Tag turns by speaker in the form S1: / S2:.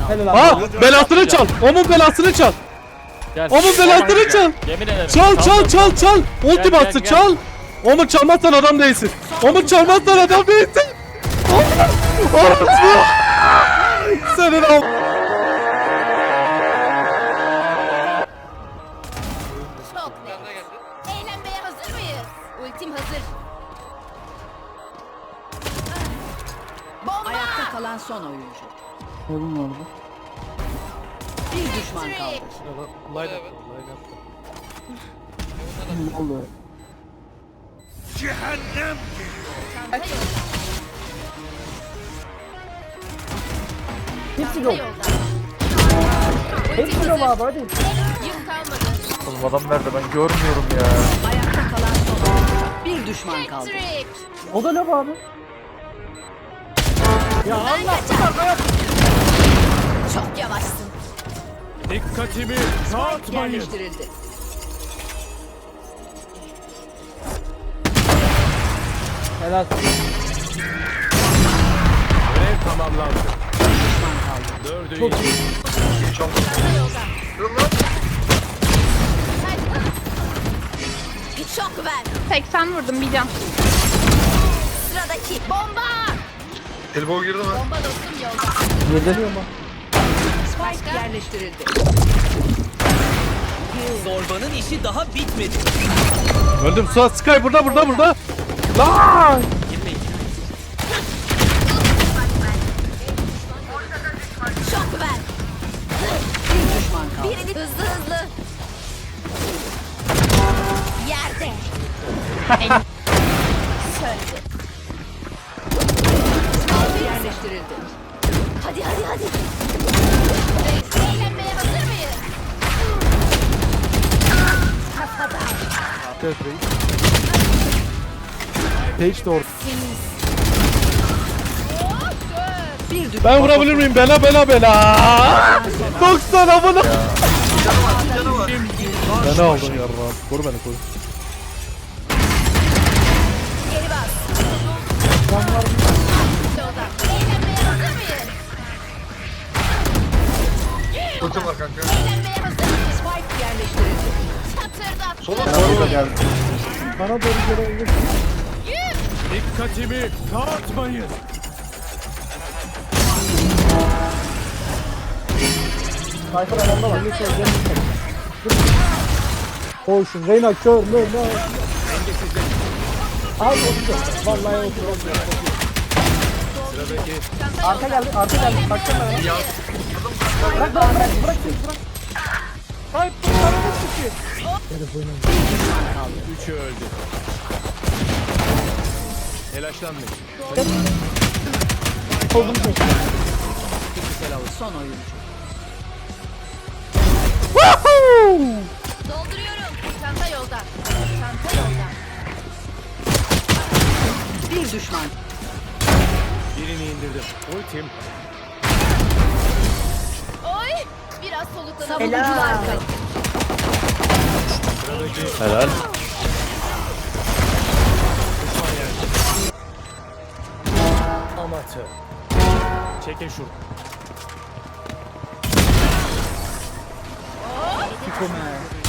S1: Ha, belasını çal. Onun belasını çal. Onun belasını çal.
S2: Yemin ederim.
S1: Çal. Ulti bastı
S2: gel.
S1: çal. Onu çalmazsan adam değilsin. Onu çalmazsan adam değilsin. Orası. Senin al.
S3: Çok net. Eğlenmeye hazır mıyız? Ultim hazır. Bomba!
S4: Ayakta kalan son oyuncu.
S5: Oğlum orada.
S4: Bir düşman kaldı.
S5: Ne oluyor? Hepsi yok. Hepsi yok abi hadi.
S3: Yük kalmadı.
S2: Oğlum adam nerede ben görmüyorum ya.
S4: Ayakta kalan son oyuncu. Bir düşman kaldı.
S3: Trick.
S5: O da ne abi? Ya Allah.
S3: Çok yavaşsın.
S6: Dikkatimi dağıtmayın.
S4: Yerleştirildi.
S5: Helal.
S6: Görev tamamlandı.
S4: Düşman kaldı.
S6: Dördü
S5: Çok
S6: iyi.
S5: iyi.
S3: Çanta yolda. Şok ver.
S7: 80 vurdum bir can.
S3: Sıradaki bomba.
S8: Elbow girdi mi?
S3: Bomba dostum yolda.
S5: Yediriyor mu?
S4: Spike yerleştirildi.
S9: Zorbanın işi daha bitmedi.
S1: Öldüm. Suat Sky burada. Lan!
S3: Şok ver.
S4: Bir düşman kaldı.
S3: Birini hızlı. Yerde. Söndü.
S4: Spike yerleştirildi.
S3: Hadi. Eğlenmeye hazır mıyız? Kafada.
S1: Page de orada.
S4: Bir düşman.
S1: Ben vurabilir miyim? Bela. 90 amına. Beni aldın yarrağım. Koru beni.
S3: Geri bas. Yolda. Eğlenmeye hazır mıyız?
S8: Ultim var kanka.
S3: Eğlenmeye hazır mıyız?
S4: Spike yerleştirildi.
S3: Çatırdat.
S1: Bana da geldi.
S5: Bana doğru gelebilir.
S6: Dikkatimi dağıtmayın.
S5: Sayfa alanda var. Koşun. Reyna kör. Ne? Abi otur. Vallahi otur. Arka geldi. Baksana bana. Bırak. Hayır, kurtarma çıkıyor.
S6: Üçü öldü. Telaşlanmayın.
S5: Oldum tek.
S4: Son oyuncu.
S3: Dolduruyorum. Çanta yolda.
S4: Bir düşman.
S6: Birini indirdim. Ultim.
S3: Oy. Biraz soluklanalım.
S4: Savunucular kaldı.
S1: Helal.
S6: Amatör. Çekin şunu.
S5: Kiko